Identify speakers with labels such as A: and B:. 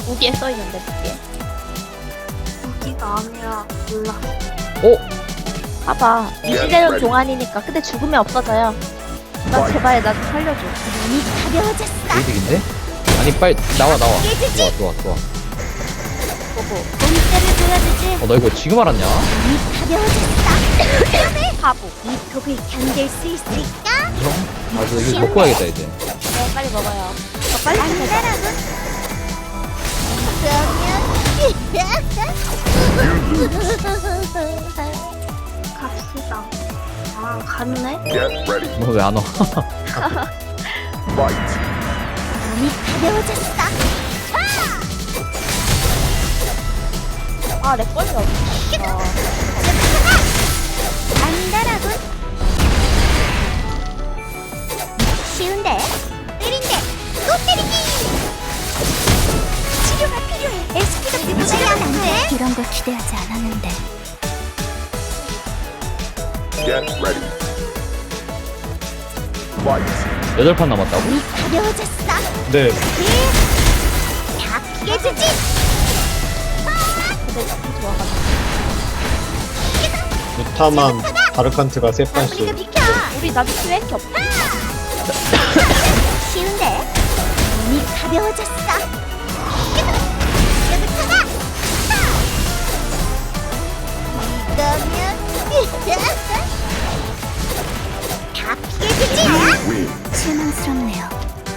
A: 무기에 써있는데 무기에.
B: 무기가 아니라 몰라.
C: 오!
A: 봐봐. 이 시대는 동안이니까. 근데 죽으면 없어져요. 나 제발 나 좀 살려줘.
D: 눈이 가벼워졌어.
C: 이득인데? 아니 빨리 나와 나와.
D: 깨지지?
C: 좋아 좋아 좋아.
A: 보고.
D: 몸살을 보여주지.
C: 너 이거 지금 알았냐?
D: 눈이 가벼워졌어.
A: 바보.
D: 이 폭을 견딜 수 있을까?
C: 맞아 이거 먹고 가야겠다 이제.
A: 네, 빨리 먹어요. 저 빨리 찾아자.
D: 안다라고.
B: 갑시다. 아, 갔네?
E: Get ready.
C: 너 왜 안 와?
E: Fight.
D: 눈이 가벼워졌어.
A: 아, 렉 걸려.
D: 안다라고. 쉬운데? 때린데? 또 때리기! 치료가 필요해. SP가 부족하지 않은데? 이런 걸 기대하지 않았는데.
E: Get ready. Fight.
C: 8판 남았다고?
D: 눈이 가벼워졌어.
C: 네.
D: 다 깨지지?
A: 근데 너무 좋아가지고.
F: 루타만 바르칸트가 세
D: 우리가
F: 판씩.
D: 비켜!
A: 우리 나도 왜 이렇게 없어?
D: 쉬운데? 눈이 가벼워졌어.